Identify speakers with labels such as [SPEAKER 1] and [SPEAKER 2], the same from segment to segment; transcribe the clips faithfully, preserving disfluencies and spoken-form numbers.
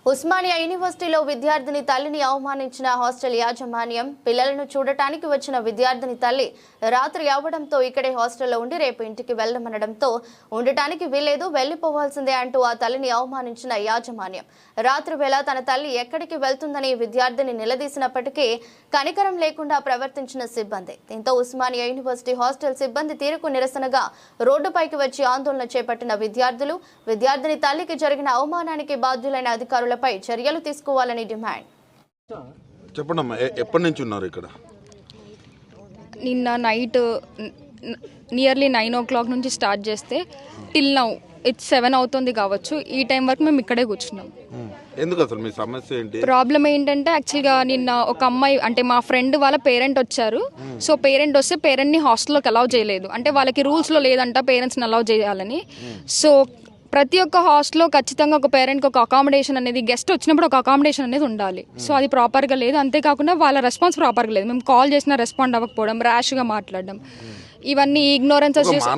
[SPEAKER 1] ఉస్మానియా యూనివర్సిటీలో విద్యార్థిని తల్లిని అవమానించిన హాస్టల్ యాజమాన్యం పిల్లలను చూడటానికి వచ్చిన విద్యార్థిని తల్లి రాత్రి అవ్వడంతో ఇక్కడే హాస్టల్లో ఉండి రేపు ఇంటికి వెళ్లమనడంతో ఉండటానికి వీల్లేదు వెళ్లిపోవాల్సిందే అంటూ ఆ తల్లిని అవమానించిన యాజమాన్యం రాత్రి వేళ తన తల్లి ఎక్కడికి వెళ్తుందని విద్యార్థిని నిలదీసినప్పటికీ కనికరం లేకుండా ప్రవర్తించిన సిబ్బంది. దీంతో ఉస్మానియా యూనివర్సిటీ హాస్టల్ సిబ్బంది తీరుకు నిరసనగా రోడ్డుపైకి వచ్చి ఆందోళన చేపట్టిన విద్యార్థులు విద్యార్థిని తల్లికి జరిగిన అవమానానికి బాధ్యులైన అధికారులు పై చర్యలు తీసుకోవాలని డిమాండ్.
[SPEAKER 2] చెప్పండి, ఎప్పటి నుంచి ఉన్నారు ఇక్కడ?
[SPEAKER 3] నిన్న night nearly nine o'clock నుంచి స్టార్ట్ చేస్తే టిల్ నౌ ఇట్స్ సెవెన్ అవుతుంది కావచ్చు. ఈ టైం వరకు మేము ఇక్కడే కూర్చున్నాం.
[SPEAKER 2] ఎందుకు అసలు మీ సమస్య ఏంటి?
[SPEAKER 3] ప్రాబ్లం ఏంటంటే యాక్చువల్గా నిన్న ఒక అమ్మాయి అంటే మా ఫ్రెండ్ వాళ్ళ పేరెంట్ వచ్చారు. సో పేరెంట్ వస్తే పేరెంట్ని హాస్టల్లోకి అలౌ చేయలేదు. అంటే వాళ్ళకి రూల్స్లో లేదంట పేరెంట్స్ని అలౌ చేయాలని. సో ప్రతి ఒక్క హాస్టల్లో ఖచ్చితంగా ఒక పేరెంట్కి ఒక అకామిడేషన్ అనేది గెస్ట్ వచ్చినప్పుడు ఒక అకామిడేషన్ అనేది ఉండాలి. సో అది ప్రాపర్గా లేదు. అంతేకాకుండా వాళ్ళ రెస్పాన్స్ ప్రాపర్గా లేదు. మేము కాల్ చేసినా రెస్పాండ్ అవ్వకపోవడం, ర్యాష్గా మాట్లాడడం, ఇవన్నీ ఇగ్నోరెన్స్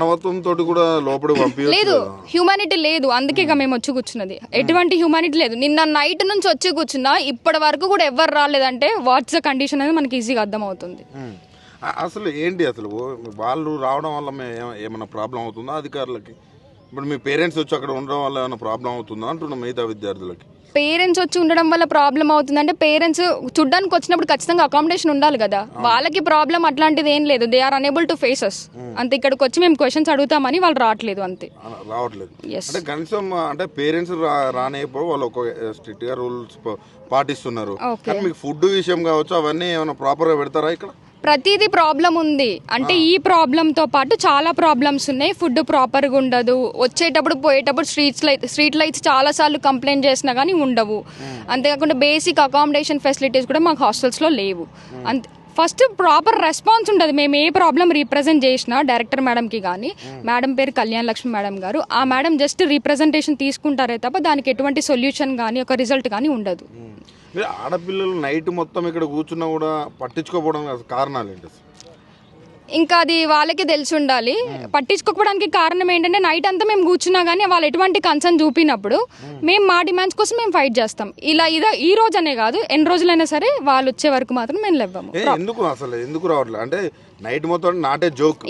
[SPEAKER 3] లేదు. హ్యూమానిటీ లేదు. అందుకే మేము వచ్చి కూర్చున్నది. ఎటువంటి హ్యూమానిటీ లేదు. నిన్న నైట్ నుంచి వచ్చి కూర్చున్నా ఇప్పటి వరకు కూడా ఎవరు రాలేదంటే వాట్స్ ద కండిషన్ అనేది మనకి ఈజీగా అర్థమవుతుంది.
[SPEAKER 2] అసలు ఏంటి అసలు వాళ్ళు రావడం వల్ల ఏమైనా ప్రాబ్లం అవుతుందా అధికారులకి? ఇప్పుడు మీ పేరెంట్స్ వచ్చి అక్కడ ఉండడం వల్ల ఏమైనా ప్రాబ్లం అవుతుందా అంటున్నా మిగతా విద్యార్థులకి?
[SPEAKER 3] పేరెంట్స్ వచ్చి ఉండడం వల్ల ప్రాబ్లం అవుతుందంటే పేరెంట్స్ చూడ్డానికి వచ్చినప్పుడు ఖచ్చితంగా అకామిడేషన్ ఉండాలి కదా. వాళ్ళకి ప్రాబ్లం అట్లాంటిది ఏం లేదు. They are unable to faces. అంతే. ఇక్కడికి వచ్చి మేము క్వశ్చన్స్ అడుగుతామని వాళ్ళు రావట్లేదు. అంతే,
[SPEAKER 2] రావట్లేదు. అంటే కనీసం అంటే పేరెంట్స్ రానేప్పుడు వాళ్ళు ఒక స్ట్రిక్ట్ గా రూల్స్ పాటిస్తున్నారు. మీకు ఫుడ్ విషయం కావచ్చు అవన్నీ ఏమైనా ప్రాపర్ గా పెడతారా ఇక్కడ?
[SPEAKER 3] ప్రతిదీ ప్రాబ్లం ఉంది. అంటే ఈ ప్రాబ్లంతో పాటు చాలా ప్రాబ్లమ్స్ ఉన్నాయి. ఫుడ్ ప్రాపర్గా ఉండదు. వచ్చేటప్పుడు పోయేటప్పుడు స్ట్రీట్స్ లైట్ స్ట్రీట్ లైట్స్ చాలాసార్లు కంప్లైంట్ చేసినా కానీ ఉండవు. అంతేకాకుండా బేసిక్ అకామిడేషన్ ఫెసిలిటీస్ కూడా మాకు హాస్టల్స్లో లేవు. అంతే. ఫస్ట్ ప్రాపర్ రెస్పాన్స్ ఉండదు. మేము ఏ ప్రాబ్లం రీప్రజెంట్ చేసినా డైరెక్టర్ మేడంకి కానీ, మేడం పేరు కళ్యాణ్ లక్ష్మి మేడం గారు, ఆ మేడం జస్ట్ రీప్రజెంటేషన్ తీసుకుంటారే తప్ప దానికి ఎటువంటి సొల్యూషన్ కానీ ఒక రిజల్ట్ కానీ ఉండదు.
[SPEAKER 2] ఆడపిల్లలు నైట్ మొత్తం ఇక్కడ కూర్చున్నా కూడా పట్టించుకోకపోవడం కారణాలు ఏంటి?
[SPEAKER 3] ఇంకా అది వాళ్ళకి తెలిసి ఉండాలి. పట్టించుకోకపోవడానికి కారణం ఏంటంటే నైట్ అంతా మేము కూర్చున్నా కానీ వాళ్ళు ఎటువంటి కన్సర్న్ చూపినప్పుడు మేము మా డిమాండ్స్ కోసం మేము ఫైట్ చేస్తాం. ఇలా ఇదా ఈ రోజు అనే కాదు, ఎన్ని రోజులైనా సరే వాళ్ళు వచ్చే వరకు మాత్రం మేము లేవ్వము.
[SPEAKER 2] ఎందుకు అసలు ఎందుకు రావట్లేదు? అంటే నైట్ మొత్తం నాటే జోక్.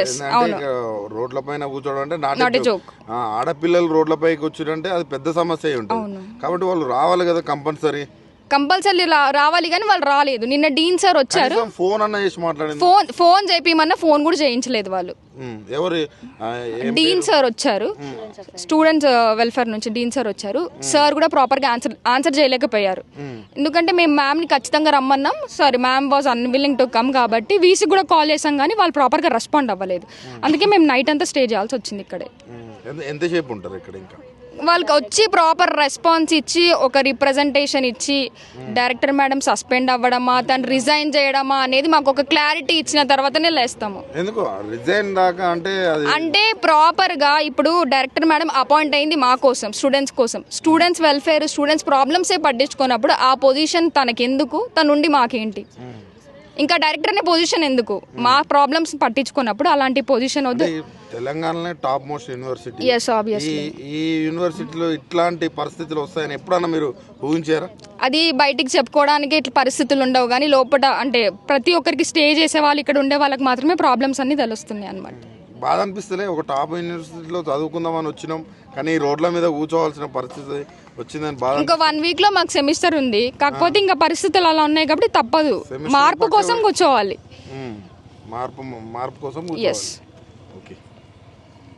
[SPEAKER 2] రోడ్ల పైన కూర్చోవడం అంటే నాటే జోక్. ఆడపిల్లలు రోడ్ల పైకి వచ్చారంటే అది పెద్ద సమస్య ఉంటుంది. కాబట్టి వాళ్ళు రావాలి కదా కంపల్సరీ.
[SPEAKER 3] కంపల్సరీ రావాలి కానీ వాళ్ళు రాలేదు. నిన్న డీన్ సార్ వచ్చారు.
[SPEAKER 2] ఫోన్ అన్న చేసి మాట్లాడింది.
[SPEAKER 3] ఫోన్ ఫోన్ చేపిమన్నా ఫోన్ కూడా చేయించలేదు వాళ్ళు.
[SPEAKER 2] ఎవరు?
[SPEAKER 3] డీన్ సార్ వచ్చారు. స్టూడెంట్స్ వెల్ఫేర్ నుంచి డీన్ సార్ వచ్చారు. సార్ కూడా ప్రాపర్ గా ఆన్సర్ ఆన్సర్ చేయలేకపోయారు. ఎందుకంటే మేము మ్యామ్ ని ఖచ్చితంగా రమ్మన్నాం. Sorry, ma'am was unwilling to come కాబట్టి వీసీ కూడా కాల్ చేసాం కానీ వాళ్ళు ప్రాపర్ గా రెస్పాండ్ అవ్వలేదు. అందుకే మేము నైట్ అంతా స్టే చేయాల్సి వచ్చింది ఇక్కడే.
[SPEAKER 2] ఎంతసేపు ఉంటారు ఇక్కడ? ఇంకా
[SPEAKER 3] వాళ్ళకి వచ్చి ప్రాపర్ రెస్పాన్స్ ఇచ్చి ఒక రిప్రజెంటేషన్ ఇచ్చి డైరెక్టర్ మేడం సస్పెండ్ అవ్వడమా తను రిజైన్ చేయడమా అనేది మాకు ఒక క్లారిటీ ఇచ్చిన తర్వాతనే లేస్తాము. అంటే ప్రాపర్ గా ఇప్పుడు డైరెక్టర్ మేడం అపాయింట్ అయింది మా కోసం, స్టూడెంట్స్ కోసం. స్టూడెంట్స్ వెల్ఫేర్, స్టూడెంట్స్ ప్రాబ్లమ్సే పట్టించుకున్నప్పుడు ఆ పొజిషన్ తనకెందుకు? తనుండి మాకేంటి? ఇంకా డైరెక్టర్ అనే పొజిషన్ ఎందుకు? మా ప్రాబ్లమ్స్ పట్టించుకున్నప్పుడు అలాంటి పొజిషన్ వద్దు.
[SPEAKER 2] తెలంగాణలో top most university.
[SPEAKER 3] yes obviously
[SPEAKER 2] ఈ యూనివర్సిటీలో ఇట్లాంటి పరిస్థితులు వస్తాయని ఎప్పుడన్నా మీరు ఊహించారా?
[SPEAKER 3] అది బయటికి చెప్పుకోవడానికి ఇట్లా పరిస్థితులు ఉండవు కానీ లోపల అంటే ప్రతి ఒక్కరికి స్టే చేసే వాళ్ళు ఇక్కడ ఉండే వాళ్ళకి మాత్రమే ప్రాబ్లమ్స్ అన్ని తెలుస్తున్నాయి అన్నమాట.
[SPEAKER 2] బాధ అనిపిస్తలే? ఒక టాప్ యూనివర్సిటీలో చదువుకుందామని వచ్చినాం కానీ రోడ్ల మీద కూర్చోవాల్సిన పరిస్థితి వచ్చిందని బాధ.
[SPEAKER 3] ఇంకా వన్ వీక్ లో మాకు సెమిస్టర్ ఉంది. కాకపోతే ఇంకా పరిస్థితులు అలా ఉన్నాయి కాబట్టి తప్పదు. మార్పు కోసం కూర్చోవాలి.
[SPEAKER 2] మార్పు మార్పు కోసం.
[SPEAKER 3] ఎస్.
[SPEAKER 2] ఓకే.